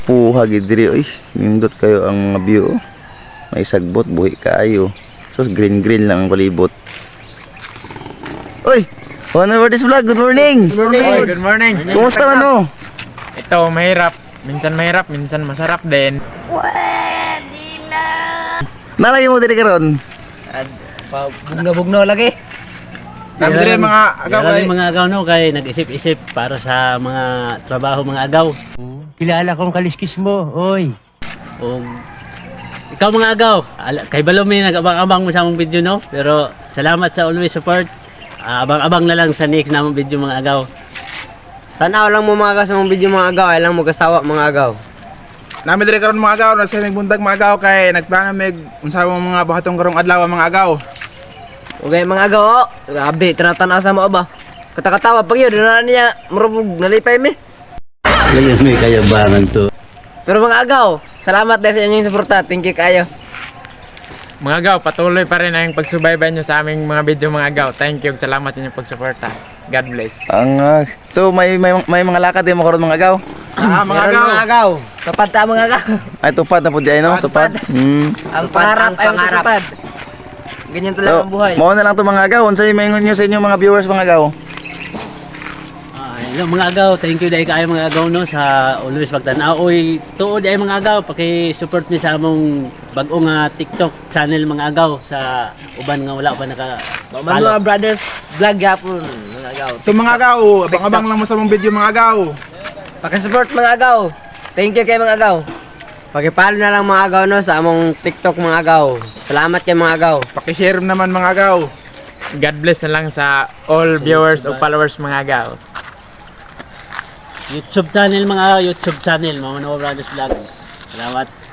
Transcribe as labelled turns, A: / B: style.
A: Puha gid diri oy. Nindot kayo ang mga view. Oh. May sagbot buhi kaayo. So green lang ang palibot. Oy, One over this vlog. Good morning.
B: Good morning. Oy, good morning.
A: Kumusta man mo?
B: Ito mahirap, minsan masarap din.
A: Nalagay mo diri karon.
C: Bugno lagi.
B: Kami dire mga agaw ay
D: mga agaw no kay nag-isip-isip para sa mga trabaho mga agaw.
C: Kilala kong kaliskis mo, oy.
D: O ikaw mga agaw, kay Balumi nag-abang-abang mo sa among video no. Pero salamat sa always support. Abang-abang na lang sa next namong video mga agaw.
C: Tanaw lang mo mga agaw sa mong video mga agaw, ay lang mo kasawa mga agaw.
B: Nami dire karon mga agaw, nasa mig buntag mga agaw kay nagplano mig unsa mga buhatong karong adlaw mga agaw.
C: Okay mga agaw, oh. Grabe, tinatanaw sa mo ba? Katakatawa pag yun, na niya, marubog, nalipay mi.
D: Ngayon may kayabangan to.
C: Pero mga agaw, salamat dahil sa inyong suporta, thank you kayo.
B: Mga agaw, patuloy pa rin ang pagsubaybay nyo sa aming mga video mga agaw. Thank you, salamat sa inyong pagsuporta. God bless.
A: So may mga lakad din mo karon mga agaw.
B: Mga
C: Meron
B: agaw.
C: mga agaw, kapad ta mga agaw.
A: Ay tupad na pud di ay no, tupad.
C: Ang pangarap ay matupad. Ganyan talaga ang buhay.
A: Mao na lang to mga agaw. Unsay maingon niyo sa inyo mga viewers mga agaw?
D: Hello mga agaw, thank you dahil kayo mga agaw no sa always pagtanaw. Oy, tuod ay mga agaw, paki-support ni sa among bag-ong TikTok channel mga agaw sa uban nga wala pa naka
C: Mga brothers vlog yapon mga agaw.
B: So mga agaw, abang-abang lang mo sa mong video mga agaw.
C: Paki-support mga agaw. Thank you kay mga agaw. Paki-follow na lang mga agaw no sa among TikTok mga agaw. Salamat kay mga agaw.
B: Paki-share naman mga agaw. God bless na lang sa all viewers o followers mga agaw.
D: YouTube channel mga agaw, YouTube channel, Mama Noah Brothers Vlogs. Salamat.